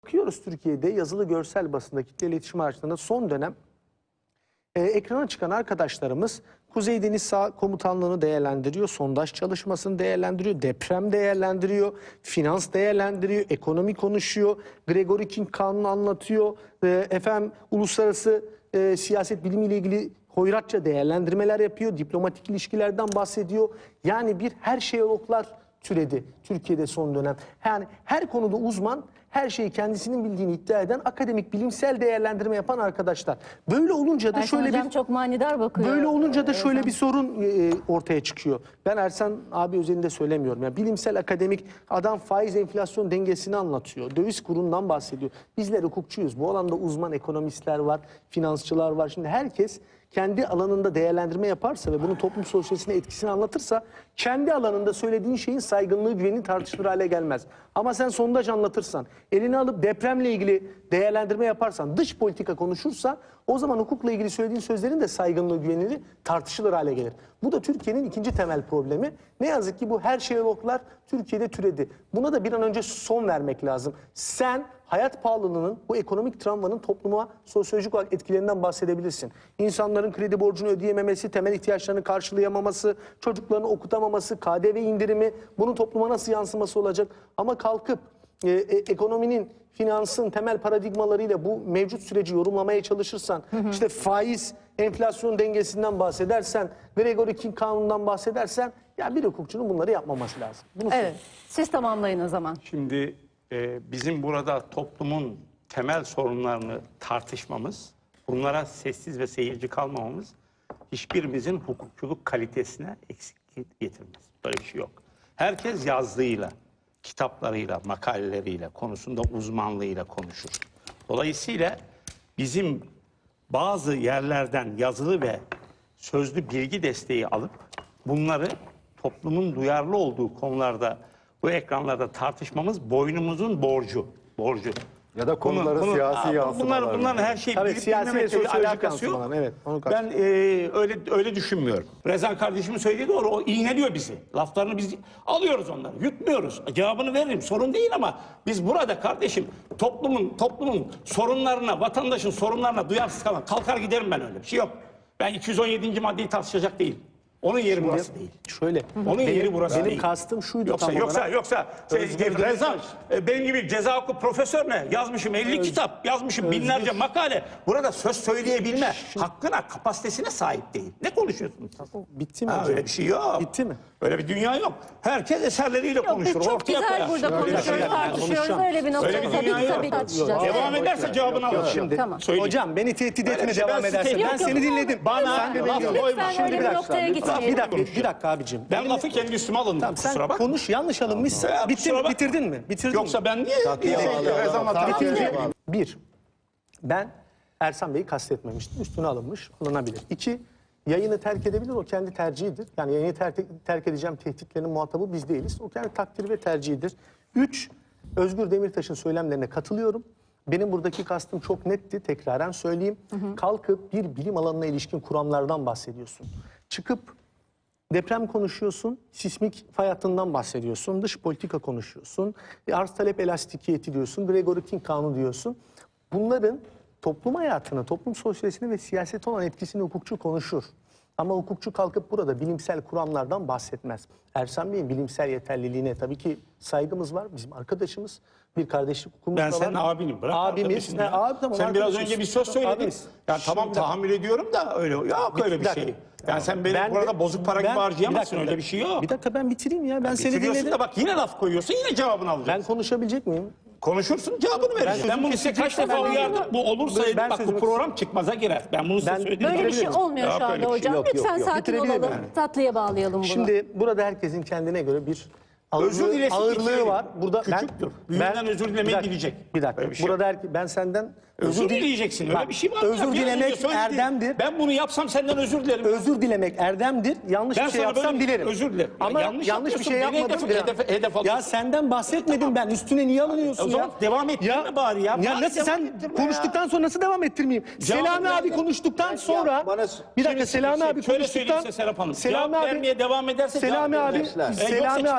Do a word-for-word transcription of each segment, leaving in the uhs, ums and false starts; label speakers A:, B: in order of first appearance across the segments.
A: Bakıyoruz Türkiye'de yazılı görsel basında, kitle iletişim araçlarında son dönem e, ekrana çıkan arkadaşlarımız Kuzey Deniz Sağ Komutanlığı'nı değerlendiriyor, sondaj çalışmasını değerlendiriyor, deprem değerlendiriyor, finans değerlendiriyor, ekonomi konuşuyor, Gregory King kanunu anlatıyor, e, efendim uluslararası e, siyaset bilimiyle ilgili hoyratça değerlendirmeler yapıyor, diplomatik ilişkilerden bahsediyor. Yani bir her şeyologlar türedi Türkiye'de son dönem. Yani her konuda uzman, her şeyi kendisinin bildiğini iddia eden, akademik bilimsel değerlendirme yapan arkadaşlar. Böyle olunca da
B: Ersan
A: şöyle
B: hocam
A: bir
B: çok manidar bakıyor.
A: Böyle olunca da şöyle
B: Ersan.
A: bir sorun e, ortaya çıkıyor. Ben Ersan abi özelinde söylemiyorum. Yani bilimsel akademik adam faiz enflasyon dengesini anlatıyor. Döviz kurundan bahsediyor. Bizler hukukçuyuz. Bu alanda uzman ekonomistler var, finansçılar var. Şimdi herkes kendi alanında değerlendirme yaparsa ve bunun toplum sosyolojisine etkisini anlatırsa kendi alanında söylediğin şeyin saygınlığı, güveni tartışılır hale gelmez. Ama sen sondaj anlatırsan, elini alıp depremle ilgili değerlendirme yaparsan, dış politika konuşursa o zaman hukukla ilgili söylediğin sözlerin de saygınlığı, güveniliği tartışılır hale gelir. Bu da Türkiye'nin ikinci temel problemi. Ne yazık ki bu her şeyologlar Türkiye'de türedi. Buna da bir an önce son vermek lazım. Sen hayat pahalılığının, bu ekonomik travmanın topluma sosyolojik olarak etkilerinden bahsedebilirsin. İnsanların kredi borcunu ödeyememesi, temel ihtiyaçlarını karşılayamaması, çocuklarını okutamaması, K D V indirimi, bunun topluma nasıl yansıması olacak? Ama kalkıp e, e, ekonominin, finansın temel paradigmalarıyla bu mevcut süreci yorumlamaya çalışırsan, hı hı. işte faiz, enflasyon dengesinden bahsedersen, Gregory King kanunundan bahsedersen, ya bir hukukçunun bunları yapmaması lazım. Bunu
B: evet,
A: söyleyeyim.
B: siz tamamlayın o zaman.
C: Şimdi e, bizim burada toplumun temel sorunlarını tartışmamız, bunlara sessiz ve seyirci kalmamamız hiçbirimizin hukukçuluk kalitesine eksiklik getirmez. Böyle bir şey yok. Herkes yazdığıyla, kitaplarıyla, makaleleriyle, konusunda uzmanlığıyla konuşur. Dolayısıyla bizim bazı yerlerden yazılı ve sözlü bilgi desteği alıp bunları toplumun duyarlı olduğu konularda, bu ekranlarda tartışmamız boynumuzun borcu. Borcu.
D: Ya da konuları
C: Konu-
D: siyasi
C: Aa,
D: yansımalar.
C: Bunlar, bunların her şeyi
A: Tabii
C: bilip
A: siyasi ve
C: bilmemekle bir
A: sosyolojik
C: alakası yok.
A: yansımalar, evet, onu
C: Ben e, öyle öyle düşünmüyorum. Rezan kardeşimin söylediği doğru. O iğneliyor bizi. Laflarını biz alıyoruz onları. Yutmuyoruz. Cevabını veririm. Sorun değil ama biz burada kardeşim toplumun toplumun sorunlarına, vatandaşın sorunlarına duyarsız kalan kalkar giderim ben, öyle bir şey yok. Ben iki yüz on yedinci maddeyi tartışacak değil. Onun yeri burası değil.
A: Şöyle,
C: Onun
A: benim,
C: yeri burası
A: benim
C: değil.
A: kastım şuydu
C: Yoksa
A: tam
C: yoksa
A: olarak.
C: yoksa şey,
A: Özgür
C: Rezan e, benim gibi ceza hukuku profesör ne? Yazmışım elli
A: Öz-
C: kitap, yazmışım
A: Özgür.
C: binlerce makale. Burada söz söyleyebilme hakkına, kapasitesine sahip değil. Ne konuşuyorsunuz siz?
A: Bitti mi
C: Ha,
A: hocam?
C: öyle bir şey yok.
A: Bitti mi?
C: Öyle bir dünya yok. Herkes eserleriyle
B: Yok, biz
C: konuşur.
B: çok
C: ortaya
B: güzel
C: koyar.
B: burada
C: Öyle bir şey
B: konuşuyoruz,
C: yok.
B: tartışıyoruz.
A: konuşacağım.
B: Öyle bir noktada
C: Öyle bir
B: tabii
C: dünya
B: ki
C: yok.
B: tabii tartışacağız.
C: Devam
B: Evet.
C: ederse cevabını alır.
A: Şimdi
B: Tamam.
C: Söyleyeyim.
A: hocam beni tehdit
C: Öyle
A: etme
C: bir şey,
A: devam
C: ben sizi
A: edersen.
C: tehdit
A: Ben seni
B: ediyorum.
A: dinledim.
B: Bana
A: Sen
C: laf
A: beni
C: koyma.
B: Lütfen öyle bir noktaya
A: Bir
B: gitmeyelim.
A: dakika, bir dakika abicim.
C: Ben lafı kendi üstüme alındım.
A: Tamam,
C: Kusura
A: sen
C: bakma.
A: konuş, yanlış alınmışsa
C: Ya,
A: bitti,
C: kusura bakma.
A: bitirdin mi? Bitirdin
C: Yoksa
A: mi?
C: ben niye?
D: Tatlıya
C: niye-
D: bağlı.
C: Rezan'la
D: Tatlıya
C: tartışıyorum?
D: bağlı.
A: Bir, ben Ersan Bey'i kastetmemiştim. Üstüne alınmış, alınabilir. İki, yayını terk edebilir, o kendi tercihidir. Yani yayını terk, terk edeceğim tehditlerinin muhatabı biz değiliz. O kendi takdiri ve tercihidir. Üç, Özgür Demirtaş'ın söylemlerine katılıyorum. Benim buradaki kastım çok netti, tekraren söyleyeyim. Hı hı. Kalkıp bir bilim alanına ilişkin kuramlardan bahsediyorsun. Çıkıp deprem konuşuyorsun, sismik fay hattından bahsediyorsun, dış politika konuşuyorsun, arz talep elastikiyeti diyorsun, Gregory King kanunu diyorsun. Bunların toplum hayatını, toplum sosyolojisini ve siyasete olan etkisini hukukçu konuşur. Ama hukukçu kalkıp burada bilimsel kuramlardan bahsetmez. Ersan Bey'in bilimsel yeterliliğine tabii ki saygımız var. Bizim arkadaşımız, bir kardeşlik hukukumuz da
C: Ben
A: var.
C: senin abinim. Bırak
A: Abimiz.
C: arkadaşını
A: He,
C: ya.
A: abi, tamam,
C: sen biraz
A: arkadaşız.
C: önce bir söz söyledin.
A: Abimiz.
C: Ya tamam,
A: Şimdi-
C: tahammül ediyorum da öyle yok öyle bir
A: Bir dakika.
C: şey. Yani sen benim
A: Ben-
C: burada bozuk para gibi
A: ben-
C: harcayamazsın,
A: bir dakika,
C: öyle bir şey yok.
A: Bir dakika, ben bitireyim ya. Ben seni
C: Bitiriyorsun
A: dinledim.
C: da bak yine laf koyuyorsun, yine cevabını
A: Ben
C: alacaksın.
A: konuşabilecek miyim?
C: Konuşursun, cevabını vereceksin. Ben,
A: sözümü
C: bunu size kaç
A: keseceksem
C: defa
A: ben-
C: uyardım. Bu olursa
A: Ben
C: bak bu
A: sözümü-
C: program çıkmaza girer. Ben bunu size
A: Ben-
C: söyledim.
B: Böyle bir şey
A: Bitirebilir
B: olmuyor
C: Yok,
B: şu
C: öyle
B: anda
C: bir şey
B: hocam.
D: yok, yok,
B: Lütfen
D: yok.
B: sakin
A: Bitirebilir
B: olalım.
A: miyim?
B: Tatlıya bağlayalım bunu.
A: Şimdi burada herkesin kendine göre bir
C: Özür
A: ağırlığı,
C: dilesin,
A: ağırlığı
C: bitirelim.
A: var. Burada
C: Küçüktür. Büyüğünden özür dilemeyi
A: bir dakika,
C: bilecek.
A: Bir dakika.
C: Öyle bir şey
A: burada her, ben senden
C: Özür
A: dile-
C: dileyeceksin. Öyle
A: Bak,
C: bir şey var mı?
A: Özür
C: Ya? Biraz önce
A: dilemek
C: söyledin.
A: erdemdir.
C: Ben bunu yapsam senden özür dilerim.
A: Özür dilemek erdemdir. Yanlış
C: Ben
A: bir şey
C: sana
A: yapsam
C: böyle bir-
A: dilerim.
C: özür dilerim. Ya
A: Ama
C: yanlış
A: yanlış, bir şey
C: yapıyorsun, beni
A: yapmadım.
C: hedef- hedef- hedef
A: ya
C: alıyorsun.
A: senden bahsetmedim ben. Üstüne niye alınıyorsun
C: O zaman
A: ya?
C: devam ettirme bari ya.
A: Ya
C: Bari
A: nasıl
C: devam
A: sen
C: ettirme
A: konuştuktan
C: ya.
A: sonra nasıl devam ettirmeyeyim?
C: Cevap
A: Selami
C: ver.
A: abi konuştuktan sonra
D: bana-
A: bir dakika Selami abi
C: Şöyle söyleyeyim
A: konuştuktan
C: size Serap Hanım.
A: Selami
C: Cevap
A: abi
C: vermeye devam ederse
A: Selami
C: cevap
A: abi
C: verirler. E, yoksa
A: Selami
C: çıkarım
A: abi
C: bak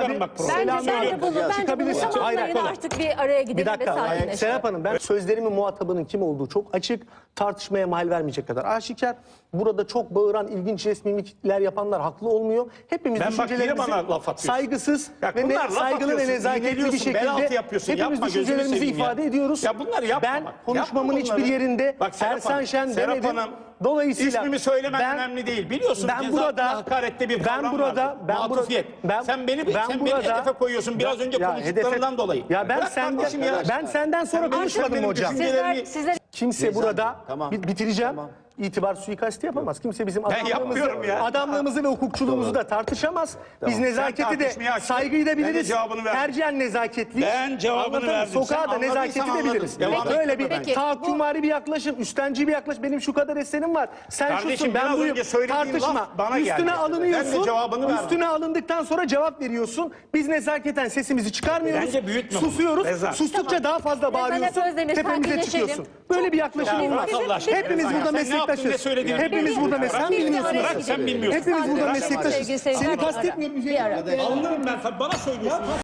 B: Bence, bence
A: Selamünaleyküm.
B: bunu, bence bunu
A: Çıkabilirsin. Hayır,
B: tamamlayın
A: hayır.
B: artık bir araya gidelim
A: Bir dakika.
B: ve
A: yani
B: sakinleşelim.
A: Serap Hanım, ben sözlerimin muhatabının kim olduğu çok açık, tartışmaya mahal vermeyecek kadar aşikar. Burada çok bağıran, ilginç jest mimikler yapanlar haklı olmuyor. Hepimiz
C: Ben bak yine
A: düşüncelerimizi
C: bana laf atıyorsun.
A: saygısız
C: Ya
A: ve ne,
C: bunlar laf
A: saygılı ve
C: atıyorsun,
A: nezaketli bir
C: iğneliyorsun, bel altı
A: şekilde
C: yapıyorsun.
A: hepimiz
C: Yapma, gözünü
A: düşüncelerimizi
C: seveyim ya.
A: ifade ediyoruz.
C: Ya bunları yapma
A: Ben
C: bak.
A: konuşmamın
C: Yapma bunları.
A: hiçbir yerinde
C: Bak Serap
A: Ersan
C: Hanım,
A: Şen
C: Serap
A: demedim.
C: Hanım,
A: Dolayısıyla
C: İsmimi söylemen
A: ben-
C: önemli değil. Biliyorsun
A: ben
C: ceza
A: burada
C: hakarette bir
A: ben
C: kavram
A: burada
C: vardır.
A: ben burada
C: Matufiyet.
A: ben
C: sen beni
A: ben
C: sen
A: burada,
C: beni hedefe koyuyorsun biraz önce
A: Ya
C: konuştuklarından
A: hedefe-
C: dolayı.
A: Ya ben
C: Bırak
A: senden
C: kardeşim ya.
A: ben senden sonra
C: Sen benim-
A: konuşmadım
C: sen benim
A: hocam.
C: düşüncelerimi-
B: Sizler, sizler
A: Kimse
D: Ceza-
A: burada
D: Tamam.
A: bi- bitireceğim.
D: Tamam.
A: İtibar suikastı yapamaz. Kimse bizim adamlığımızı,
C: yapmıyorum ya.
A: adamlığımızı ve hukukçuluğumuzu da tartışamaz. Biz
C: Sen
A: nezaketi de
C: tartışmayı açtın.
A: saygıyı da
C: Ben de
A: biliriz.
C: cevabını verdim.
A: Tercihen nezaketli.
C: Ben cevabını verdim.
A: Sokağa
C: Sen
A: da nezaketi
C: anladıysan
A: de biliriz.
C: anladın. Devam
A: Böyle
C: et.
A: bir
B: Peki,
A: tahakkümvari bir yaklaşım, üstenci bir yaklaşım. Benim şu kadar eserim var. Sen
C: Kardeşim,
A: şusun, ben
C: biraz
A: buyum.
C: önce söylediğin
A: Tartışma.
C: laf bana geldi.
A: Üstüne
C: Ben de
A: alınıyorsun.
C: cevabını verdim.
A: Üstüne alındıktan sonra cevap veriyorsun. Biz nezaketen sesimizi çıkarmıyoruz.
C: Bence büyütme bunu.
A: Susuyoruz.
C: Rezan.
A: Sustukça daha fazla
B: Rezan
A: bağırıyorsun.
B: hep Özdemir,
A: Tepemize
B: sakinleşelim.
A: çıkıyorsun. Böyle bir yaklaşımın
C: Ya
A: var.
C: bırak Allah aşkına.
A: Hepimiz
C: Rezan ya.
A: burada
C: Sen ne yaptın, ne
A: meslektaşız.
C: söylediğini
A: Hepimiz
C: bilmiyorsun.
A: burada
C: Bırak,
A: meslek. Sen
B: bir
A: bilmiyorsun.
B: araya
C: Bırak,
B: gidelim.
C: sen bilmiyorsun.
A: Hepimiz burada
B: Bırak,
A: meslektaşız.
B: sevgili seyirciler,
A: Seni
B: bir ara.
A: kastetmiyorum.
B: Bir ara.
C: Alnırım ben. Bana söylüyorsun.